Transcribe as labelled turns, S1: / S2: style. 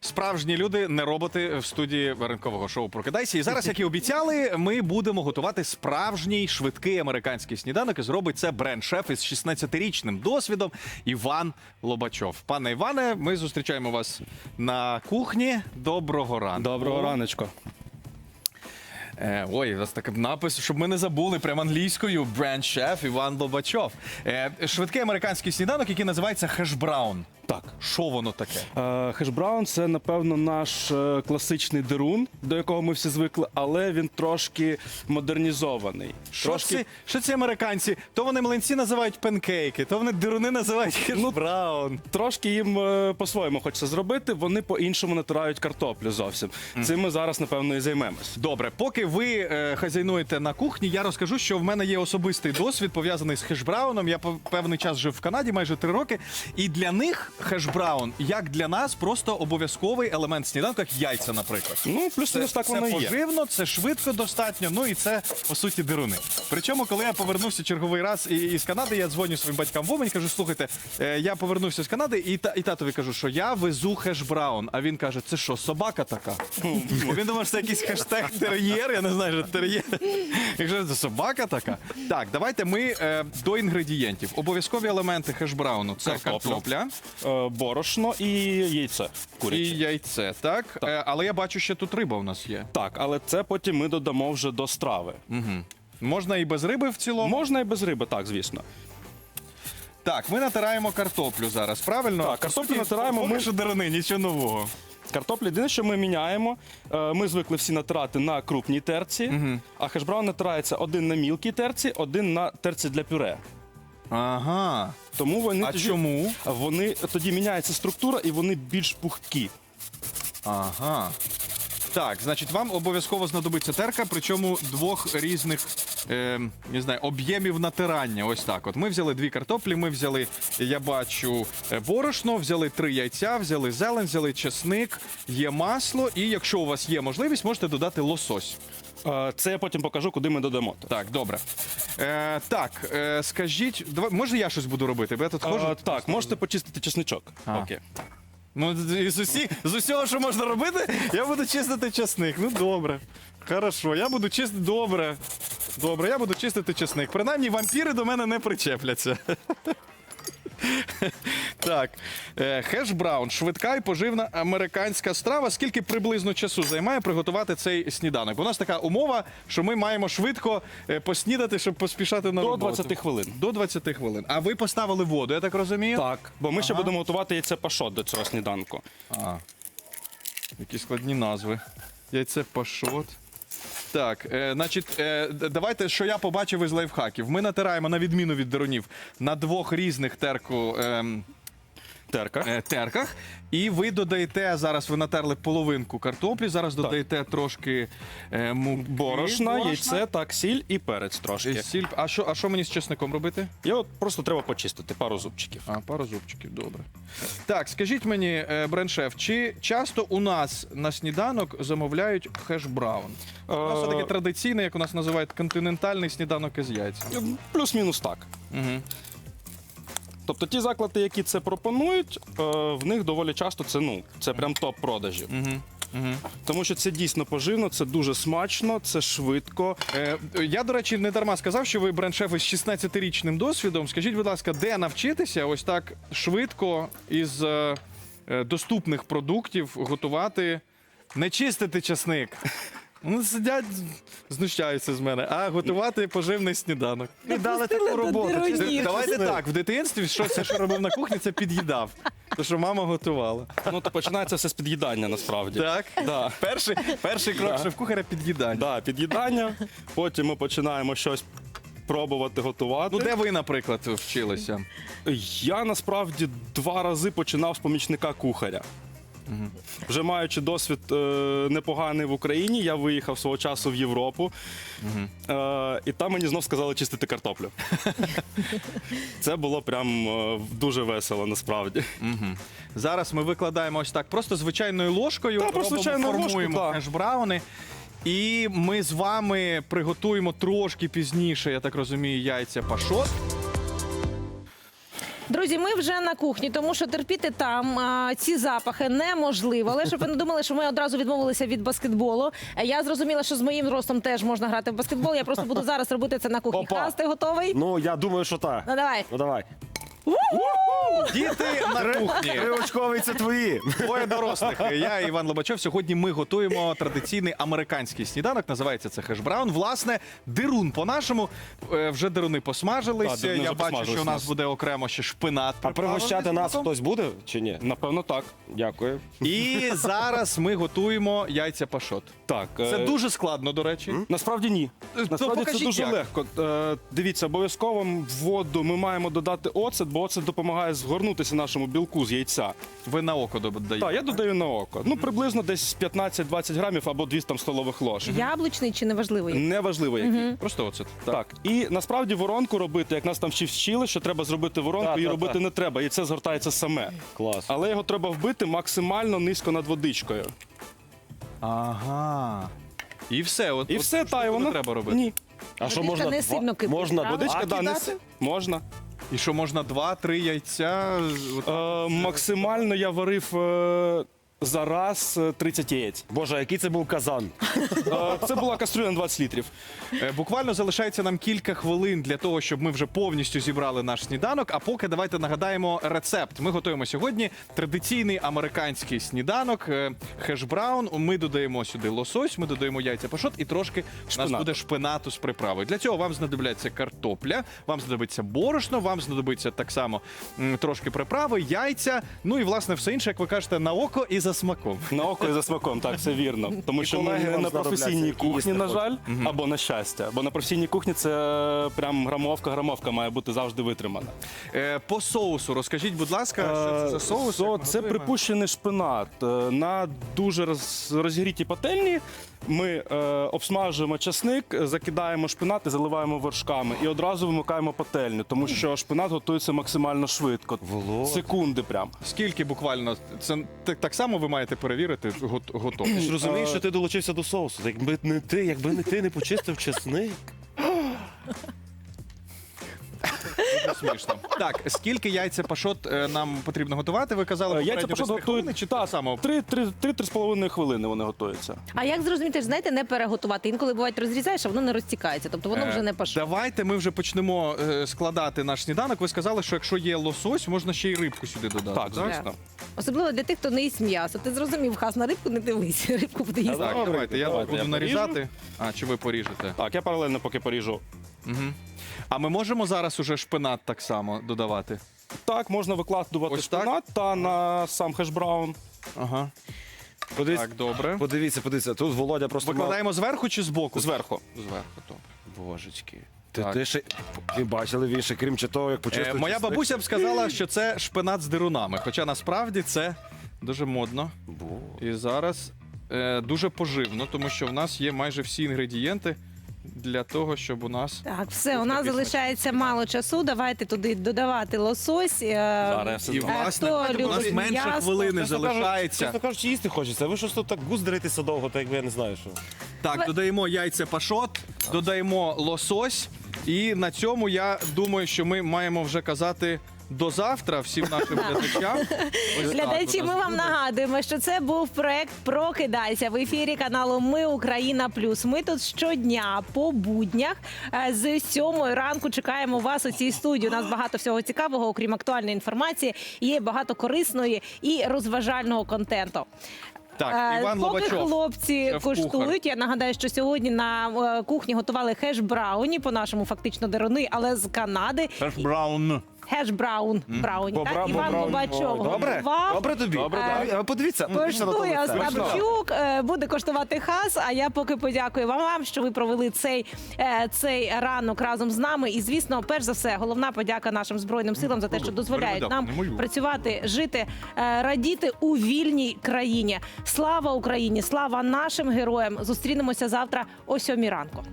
S1: Справжні люди, не роботи в студії ранкового шоу «Прокидайся». І зараз, як і обіцяли, ми будемо готувати справжній швидкий американський сніданок. І зробить це бренд-шеф із 16-річним досвідом Іван Лобачов. Пане Іване, ми зустрічаємо вас на кухні. Доброго ранку.
S2: Доброго раночку.
S1: Ой, у вас такий напис, щоб ми не забули, прямо англійською. Бренд-шеф Іван Лобачов. Швидкий американський сніданок, який називається хеш-браун.
S2: Так.
S1: Що воно таке?
S2: Хеш-браун – це, напевно, наш класичний дерун, до якого ми всі звикли, але він трошки модернізований.
S1: Що ці американці? То вони млинці називають панкейки, то вони деруни називають хеш-браун.
S2: Трошки їм по-своєму хочеться зробити, вони по-іншому натирають картоплю зовсім. Цим ми зараз, напевно, і займемось.
S1: Добре, поки ви хазяйнуєте на кухні, я розкажу, що в мене є особистий досвід, пов'язаний з хеш-брауном. Я певний час жив в Канаді, майже 3 роки, і для них хеш-браун, як для нас, просто обов'язковий елемент сніданку, як яйця, наприклад.
S2: Ну, плюс-мінус так воно і є.
S1: Це поживно, це швидко достатньо, ну і це, по суті, деруни. Причому, коли я повернувся черговий раз із Канади, я дзвоню своїм батькам в Умань, кажу, слухайте, я повернувся з Канади, і татові кажу, що я везу хеш-браун. А він каже, це що, собака така? Він думав, що це якийсь хештег тер'єр, я не знаю, що тер'єр. Якщо це собака така. Так, давайте ми до інгредієнтів. Обов'язкові елементи хеш-брауну – це картопля.
S2: Борошно і яйце куряче.
S1: І яйце, так? Але я бачу, що тут риба у нас є.
S2: Так, але це потім ми додамо вже до страви.
S1: Можна і без риби в цілому?
S2: Можна і без риби, так, звісно.
S1: Так, ми натираємо картоплю зараз, правильно?
S2: Так, картоплю натираємо
S1: Поки
S2: ми-
S1: що деруни, нічого нового.
S2: Картоплю єдине, що ми міняємо, ми звикли всі натирати на крупній терці, а хеш-браун натирається один на мілкій терці, один на терці для пюре.
S1: Ага.
S2: Тому вони
S1: А чому?
S2: Вони тоді міняється структура і вони більш пухкі.
S1: Ага. Так, значить, вам обов'язково знадобиться терка, причому 2 різних, не знаю, об'ємів натирання. Ось так от. Ми взяли 2 картоплі, ми взяли, я бачу, борошно, взяли 3 яйця, взяли зелень, взяли чесник, є масло, і якщо у вас є можливість, можете додати лосось.
S2: Це я потім покажу, куди ми додамо.
S1: Так, добре. Скажіть, може я щось буду робити? Бо я тут ходжу.
S2: Так, можете почистити чесничок.
S1: А.
S2: Окей.
S1: Ну, з усього, що можна робити, я буду чистити чесник. Ну, добре. Хорошо, я буду чистити. Добре. Добре, я буду чистити чесник. Принаймні, вампіри до мене не причепляться. Так, хеш-браун, швидка і поживна американська страва. Скільки приблизно часу займає приготувати цей сніданок? У нас така умова, що ми маємо швидко поснідати, щоб поспішати на
S2: До
S1: роботу.
S2: 20 хвилин.
S1: До 20 хвилин. А ви поставили воду, я так розумію?
S2: Так, бо ми ще будемо готувати яйце пашот до цього сніданку.
S1: Які складні назви. Яйце пашот. Так, давайте, що я побачив із лайфхаків. Ми натираємо, на відміну від дерунів, на 2 різних терках. І ви додаєте, зараз ви натерли половинку картоплі, зараз додаєте трошки
S2: Борошна, яйце, так, сіль і перець трошки.
S1: Сіль. А що мені з чесником робити?
S2: І от просто треба почистити пару зубчиків.
S1: Пару зубчиків, добре. Так, скажіть мені, бренд-шеф, чи часто у нас на сніданок замовляють хеш-браун? У нас все-таки традиційний, як у нас називають, континентальний сніданок із яйцями.
S2: Плюс-мінус так. Тобто ті заклади, які це пропонують, в них доволі часто це прям топ продажів. Тому що це дійсно поживно, це дуже смачно, це швидко.
S1: Я, до речі, не дарма сказав, що ви бренд-шеф із 16-річним досвідом. Скажіть, будь ласка, де навчитися ось так швидко із доступних продуктів готувати, не чистити часник? Вони сидять, знущаються з мене, а готувати поживний сніданок.
S3: І дали таку роботу.
S1: Давайте так, в дитинстві все, що робив на кухні, це під'їдав. Те, що мама готувала.
S2: Ну, то починається все з під'їдання, насправді.
S1: Так?
S2: Да.
S1: Перший крок шеф-кухаря – під'їдання.
S2: Да, під'їдання, потім ми починаємо щось пробувати готувати.
S1: Ну, де ви, наприклад, вчилися?
S2: Я, насправді, 2 рази починав з помічника кухаря. Вже маючи досвід непоганий в Україні, я виїхав свого часу в Європу, і там мені знов сказали чистити картоплю. Це було прям дуже весело, насправді.
S1: Зараз ми викладаємо ось так, просто звичайною ложкою,
S2: Так, просто звичайною
S1: формуємо
S2: ложкою,
S1: хеш-брауни. І ми з вами приготуємо трошки пізніше, я так розумію, яйця пашот.
S3: Друзі, ми вже на кухні, тому що терпіти там ці запахи неможливо. Але щоб ви не думали, що ми одразу відмовилися від баскетболу. Я зрозуміла, що з моїм ростом теж можна грати в баскетбол. Я просто буду зараз робити це на кухні.
S4: Опа.
S3: Хас, ти готовий?
S4: Ну, я думаю, що так.
S3: Ну давай.
S4: Ну, давай.
S1: Діти на кухні.
S4: Триочкові це твої.
S1: Двоє дорослих. Я і Іван Лобачов. Сьогодні ми готуємо традиційний американський сніданок. Називається це хеш-браун. Власне, дирун по-нашому. Вже дируни посмажились.
S2: Так, дируни
S1: Я
S2: вже
S1: бачу,
S2: посмажились
S1: що у
S2: у
S1: нас
S2: нас.
S1: буде окремо ще шпинат.
S4: А пригощати нас
S1: приправлений
S4: хтось буде чи ні?
S2: Напевно, так.
S4: Дякую.
S1: І зараз ми готуємо яйця пашот.
S2: Так.
S1: Це дуже складно, до речі.
S2: Насправді ні. Насправді це
S1: покажіть,
S2: дуже
S1: як.
S2: легко. Дивіться, обов'язково в воду ми маємо додати оцет, бо оцет допомагає згорнутися нашому білку з яйця.
S1: Ви на око додаєте.
S2: Так, я додаю на око. Ну, приблизно десь 15-20 грамів або 200 там, столових ложок.
S3: Яблучний чи неважливий?
S2: Неважливо який.
S1: Просто оцет.
S2: Так, і насправді воронку робити, як нас там вчили, що треба зробити воронку,
S4: Так,
S2: її
S4: так,
S2: робити
S4: так.
S2: не треба, і це згортається саме.
S4: Клас.
S2: Але його треба вбити максимально низько над водичкою.
S1: Ага. І все. От,
S2: І
S1: от
S2: все,
S1: штуку
S2: та, і воно...
S1: не треба робити.
S2: Ні.
S4: А що
S3: Водичка
S4: можна?
S3: не сильно кипить,
S4: Можна
S3: правда?
S2: Водичка,
S1: А
S2: да, не
S1: кидати?
S2: можна.
S1: І що можна 2-3 яйця?
S2: Максимально я варив за раз 30 яєць.
S4: Боже, а який це був казан?
S2: Це була кастрюля на 20 літрів.
S1: Буквально залишається нам кілька хвилин для того, щоб ми вже повністю зібрали наш сніданок. А поки давайте нагадаємо рецепт. Ми готуємо сьогодні традиційний американський сніданок хеш-браун. Ми додаємо сюди лосось, ми додаємо яйця пашот і трошки у нас
S2: Шпинат.
S1: буде шпинату з приправою. Для цього вам знадобляться картопля, вам знадобиться борошно, вам знадобиться так само трошки приправи, яйця. Ну і власне все інше, як ви кажете, на око і за смаком.
S2: На око і за смаком, так, це вірно. Тому що ми
S4: колеги
S2: не
S4: вам
S2: на
S4: знадобляться,
S2: професійній
S4: які
S2: кухні,
S4: їсти
S2: на жаль, або на щастя. Бо на професійній кухні це прям грамовка має бути завжди витримана.
S1: По соусу розкажіть, будь ласка, що це за соус? як ми
S2: Це
S1: готуємо?
S2: припущений шпинат. На дуже розгрітій пательні ми обсмажуємо часник, закидаємо шпинат і заливаємо вершками. І одразу вимикаємо пательню, тому що шпинат готується максимально швидко.
S4: Володь.
S2: Секунди прям.
S1: Скільки буквально? Це так само ви маєте перевірити
S4: Ти
S1: готовність?
S4: ж розумієш, що ти долучився до соусу. Якби не ти не почистив чесник.
S1: Смішно. Так, скільки яйця пашот нам потрібно готувати? Ви казали,
S2: Яйця
S1: попередньо
S2: пашот
S1: десь 3 хвилини,
S2: готують
S1: чи так само?
S2: 3-3,5 хвилини вони готуються.
S3: А як зрозуміти, знаєте, не переготувати? Інколи бувають розрізаєш, а воно не розтікається. Тобто воно вже не пашот.
S1: Давайте ми вже почнемо складати наш сніданок. Ви сказали, що якщо є лосось, можна ще й рибку сюди додати.
S2: Так, звісно.
S3: Особливо для тих, хто не їсть м'ясо. Ти зрозумів, Хас, на рибку не дивись. Рибку буде їсти.
S1: Так, давайте, я
S2: Давайте,
S1: буду
S2: я
S1: нарізати. А, чи ви поріжете?
S2: Так, я паралельно поки поріжу.
S1: А ми можемо зараз уже шпинат так само додавати?
S2: Так, можна викладувати
S1: Ось так?
S2: шпинат та на сам хеш-браун.
S1: Ага.
S4: Подивіться,
S1: Так, добре.
S4: подивіться. Тут Володя просто
S1: Викладаємо зверху чи збоку?
S2: Зверху.
S1: Зверху, добре.
S4: Божечки.
S1: Так.
S4: Ти ще... Ви бачили, він ще, крім чи того, як почистив
S1: Моя
S4: чесник?
S1: бабуся б сказала, що це шпинат з дирунами. Хоча насправді це дуже модно. І зараз дуже поживно, тому що в нас є майже всі інгредієнти для того, щоб у нас.
S3: Так, все, у нас залишається мало часу. Давайте туди додавати лосось.
S2: Зараз я все
S1: І
S2: зроблю.
S1: власне,
S3: хто
S1: у нас
S3: любить
S1: менше
S3: м'ясо?
S1: хвилини
S4: Чесно
S1: залишається.
S4: кажучи, їсти хочеться. Ви щось тут так гуздритеся довго, так якби я не знаю, що.
S1: Так, додаємо яйця пашот, додаємо лосось. І на цьому я думаю, що ми маємо вже казати до завтра всім нашим глядачам. Ось так
S3: Глядачі,
S1: у
S3: ми
S1: нас
S3: вам
S1: буде.
S3: нагадуємо, що це був проект Прокидайся в ефірі каналу Ми Україна Плюс. Ми тут щодня по буднях з 7 ранку чекаємо вас у цій студії. У нас багато всього цікавого, окрім актуальної інформації, є багато корисної і розважального контенту.
S1: Так, Іван
S3: Поки
S1: Лобачов.
S3: хлопці
S1: шеф-кухар.
S3: куштують, я нагадаю, що сьогодні на кухні готували хеш-брауні, по-нашому фактично деруни, але з Канади.
S1: Браун.
S3: Хеш-браун, брауні, так? Іван Лобачов
S4: Добре?
S3: готував.
S4: Добре тобі? Подивіться.
S3: Коштує Остапчук, буде коштувати Хас, а я поки подякую вам, що ви провели цей ранок разом з нами. І, звісно, перш за все, головна подяка нашим Збройним силам за те, що дозволяють нам працювати, жити, радіти у вільній країні. Слава Україні, слава нашим героям. Зустрінемося завтра о 7 ранку.